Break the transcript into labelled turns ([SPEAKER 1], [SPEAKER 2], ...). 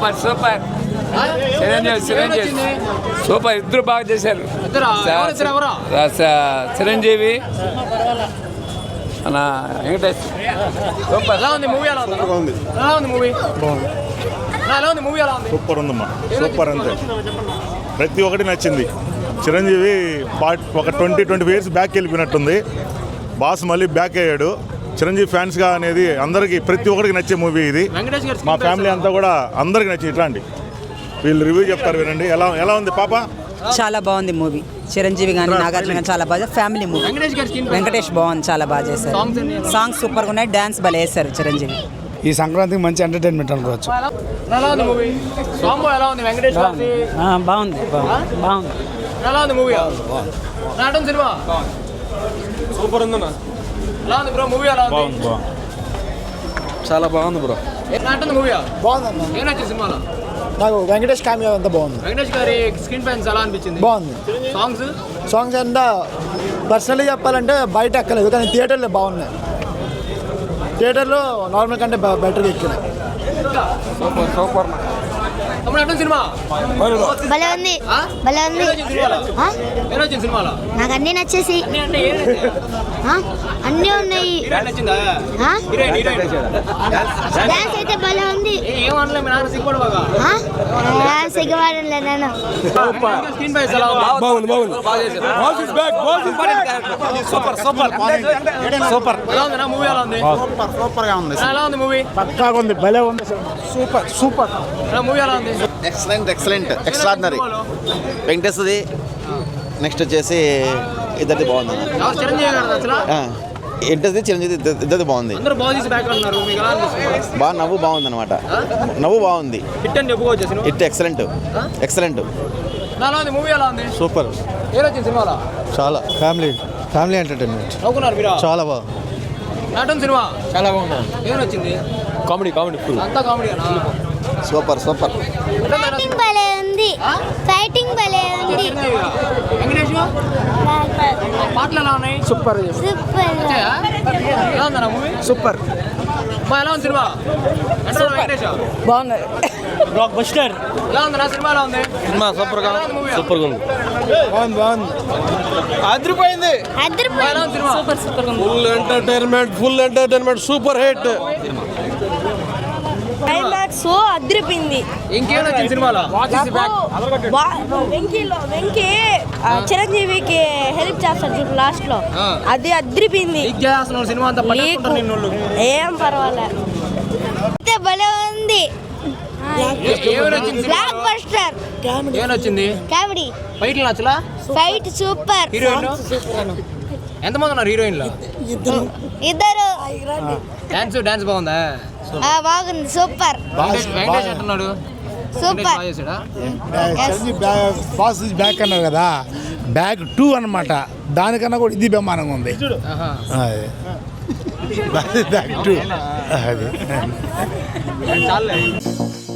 [SPEAKER 1] Super super Chiranjeevi super ఇద్దరు బాగా చేశారు. చిరంజీవి మన వెంకటేష్ సూపర్.
[SPEAKER 2] సూపర్ ఉందమ్మా, సూపర్ అంతే. ప్రతి ఒక్కటి నచ్చింది. చిరంజీవి ఒక 20-25 ఇయర్స్ బ్యాక్ వెళ్ళిపోయినట్టుంది. బాస్ మళ్ళీ బ్యాక్ అయ్యాడు. చిరంజీవి ఫ్యాన్స్గా అనేది అందరికీ ప్రతి ఒక్కరికి నచ్చే మూవీ ఇది. మా ఫ్యామిలీ అంతా కూడా అందరికి నచ్చి ఇట్లాంటి వీళ్ళు రివ్యూ చెప్తారు, వినండి. ఎలా ఉంది పాప?
[SPEAKER 3] చాలా బాగుంది మూవీ. చిరంజీవి కానీ నాగార్జున కానీ చాలా బాగా. Family movie. వెంకటేష్ బాగుంది, చాలా బాగా చేశారు. సాంగ్స్ సూపర్గా ఉన్నాయి. డ్యాన్స్ భలే వేశారు చిరంజీవి.
[SPEAKER 4] ఈ సంక్రాంతికి మంచి ఎంటర్టైన్మెంట్ అనుకోవచ్చు.
[SPEAKER 3] బాగుంది
[SPEAKER 5] సూపర్ ఉంది. చాలా బాగుంది బ్రో.
[SPEAKER 4] నాకు వెంకటేష్ కామియా అంతా బాగుంది.
[SPEAKER 6] వెంకటేష్ గారి స్క్రీన్ ప్రెజెన్స్ ఎలా అనిపించింది?
[SPEAKER 4] బాగుంది. సాంగ్స్ అంతా పర్సనల్లీ చెప్పాలంటే బయట ఎక్కలేదు, కానీ థియేటర్లో బాగున్నాయి. థియేటర్లో నార్మల్ కంటే బెటర్గా ఎక్కినాయి.
[SPEAKER 5] సూపర్
[SPEAKER 6] సినిమా
[SPEAKER 7] భలే ఉంది. నాకు అన్నీ నచ్చేసి అన్నీ ఉన్నాయి. డాన్స్ అయితే భలే ఉంది. సిగ్గుపడలే నేను.
[SPEAKER 4] పక్కాగా ఉంది, భలే ఉంది. Super
[SPEAKER 8] excellent extraordinary. Venkateswari next వచ్చేసి ఇద్దరిది బాగుంది. ఇంటర్ది చిరంజీవి ఇద్దరిది బాగుంది. బాగా నవ్వు బాగుంది అనమాట. నవ్వు బాగుంది. Hit excellent.
[SPEAKER 4] సూపర్. చాలా ఫ్యామిలీ ఎంటర్టైన్మెంట్. చాలా బాగుంది.
[SPEAKER 6] చాలా బాగుంది.
[SPEAKER 5] Comedy full.
[SPEAKER 8] సూపర్.
[SPEAKER 7] ఫైటింగ్ భలే ఉంది.
[SPEAKER 6] పాటలు ఎలా ఉన్నాయి?
[SPEAKER 4] సూపర్.
[SPEAKER 6] ఎలా ఉంది సినిమా?
[SPEAKER 3] బాగుంది.
[SPEAKER 4] Blockbuster.
[SPEAKER 6] ఎలా ఉంది సినిమా? ఎలా ఉంది
[SPEAKER 5] సినిమా? సూపర్గా ఉంది.
[SPEAKER 4] బాగుంది. అదిరిపోయింది.
[SPEAKER 6] ఎలా ఉంది సినిమా?
[SPEAKER 5] Full entertainment super hit.
[SPEAKER 9] Climax అదిరిపోయింది.
[SPEAKER 6] ఇంకేం నచ్చింది సినిమాలో?
[SPEAKER 9] వెంకీ చిరంజీవికి హెల్ప్ చేస్తాడు చూడు లాస్ట్ లో, అది అదిరిపోయింది.
[SPEAKER 6] సినిమా అంతా
[SPEAKER 9] ఏం పర్వాలే.
[SPEAKER 7] భలే ఉంది. Blockbuster.
[SPEAKER 6] ఏమొచ్చింది?
[SPEAKER 7] కామెడీ.
[SPEAKER 6] ఫైట్లు నచ్చలా?
[SPEAKER 7] Fight super.
[SPEAKER 6] హీరోయిన్ ఎంతమంది ఉన్నారు? హీరోయిన్లు
[SPEAKER 7] ఇద్దరు.
[SPEAKER 6] డాన్స్ బాగుందా?
[SPEAKER 7] బాగుంది. సూపర్.
[SPEAKER 6] వెంకటేష్ అంటున్నాడు.
[SPEAKER 7] సూపర్.
[SPEAKER 4] బాస్ బ్యాక్ అన్నారు కదా, బ్యాక్ 2 అన్నమాట. దానికన్నా కూడా ఇది బహుమానంగా ఉంది. బ్యాక్ 2 అది.